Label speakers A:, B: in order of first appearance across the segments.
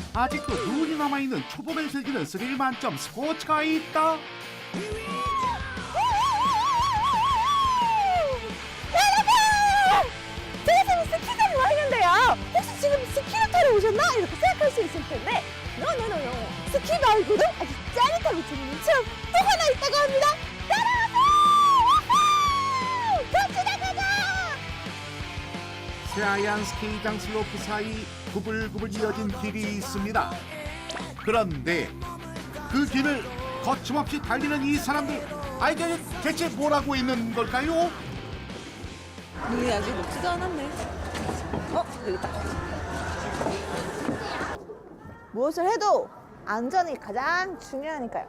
A: 아직도 눈이 남아있는 초봄을 즐기는 스릴 만점 스포츠가 있다.
B: 여러분! 제가 지금 스키장에 와 있는데요. 혹시 지금 스키를 타러 오셨나? 이렇게 생각할 수 있을 텐데 노노노노 스키 말고도 아주 짜릿하고 재밌는 체험 또 하나 있다고 합니다. 따라오세요! 같이 나가자!
A: 새하얀 스키장 슬로프 사이 구불구불 이어진 길이 있습니다. 그런데 그 길을 거침없이 달리는 이 사람들, 이게 대체 뭘 하고 있는 걸까요?
B: 눈이 아직 녹지도 않았네. 여기 있다. 무엇을 해도 안전이 가장 중요하니까요.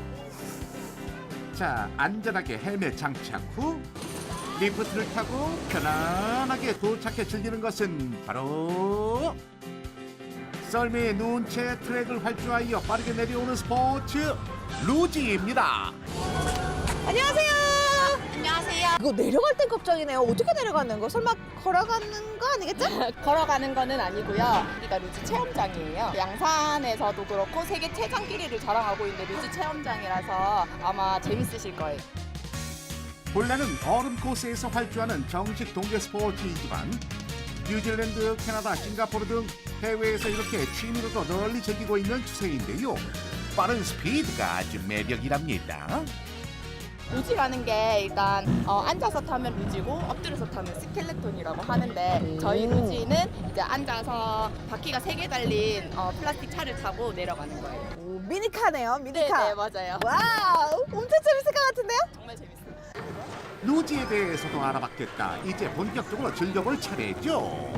A: 자, 안전하게 헬멧 장착 후 리프트를 타고 편안하게 도착해 즐기는 것은 바로 썰매의 눈채 트랙을 활주하여 빠르게 내려오는 스포츠 루지입니다.
B: 안녕하세요. 안녕하세요. 이거 내려갈 땐 걱정이네요. 어떻게 내려가는 거? 설마 걸어가는 거 아니겠죠?
C: 걸어가는 거는 아니고요. 여기가 루지 체험장이에요. 양산에서도 그렇고 세계 최장 길이를 자랑하고 있는 루지 체험장이라서 아마 재밌으실 거예요.
A: 본래는 얼음 코스에서 활주하는 정식 동계 스포츠이지만 뉴질랜드, 캐나다, 싱가포르 등 해외에서 이렇게 취미로도 널리 즐기고 있는 추세인데요. 빠른 스피드가 아주 매력이랍니다.
C: 루지라는 게 일단 앉아서 타면 루지고 엎드려서 타면 스켈레톤이라고 하는데 저희 루지는 이제 앉아서 바퀴가 3개 달린 플라스틱 차를 타고 내려가는 거예요.
B: 오, 미니카네요. 미니카.
C: 네, 맞아요.
B: 와우, 엄청 재밌을 것 같은데요?
C: 정말 재밌어요.
A: 루지에 대해서도 알아봤겠다. 이제 본격적으로 즐겨볼 차례죠.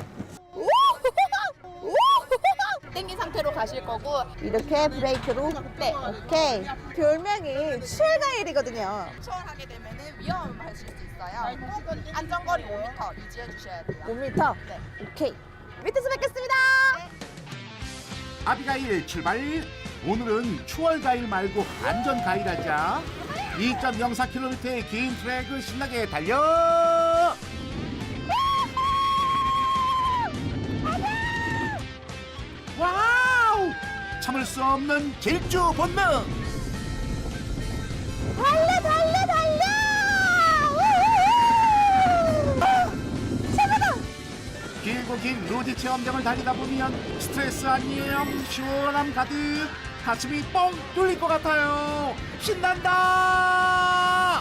C: 땡긴 상태로 가실 거고
B: 이렇게 브레이크로.
C: 네.
B: 오케이. 별명이 추월가일이거든요.
C: 추월하게 되면 위험하실 수 있어요. 꼭 안전거리 5m 유지해 주셔야 돼요.
B: 5m.
C: 네.
B: 오케이. 밑에서 뵙겠습니다.
A: 아비가일 출발. 오늘은 추월가일 말고 안전가일 하자. 2.04km의 긴 트랙을 신나게 달려. 와우! 참을 수 없는 질주 본능.
B: 달려 달려 달려! 최고다!
A: 길고 긴 루지 체험장을 달리다 보면 스트레스 아니에요. 시원함 가득. 가슴이 뻥 뚫릴 것 같아요. 신난다.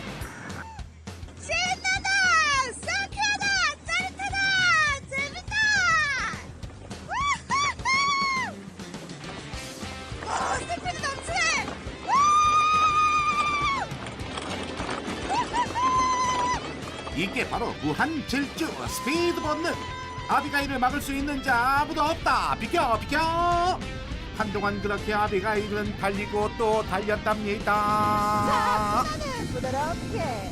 B: 신나다! 상쾌하다! 짜릿하다! 재밌다! 우후후! 스피드 넘치네!
A: 이게 바로 무한 질주 스피드 본능. 아비가일을 막을 수 있는 자 아무도 없다. 비켜 비켜. 한동안 그렇게 아비가일은 달리고 또 달렸답니다.
B: 부드럽게.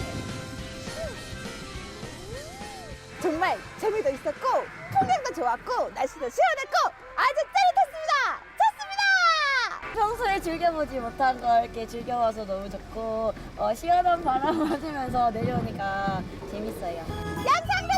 B: 정말 재미도 있었고 풍경도 좋았고 날씨도 시원했고 아주 짜릿했습니다. 좋습니다.
D: 평소에 즐겨보지 못한 걸 이렇게 즐겨봐서 너무 좋고 시원한 바람 맞으면서 내려오니까 재밌어요.
B: 양상도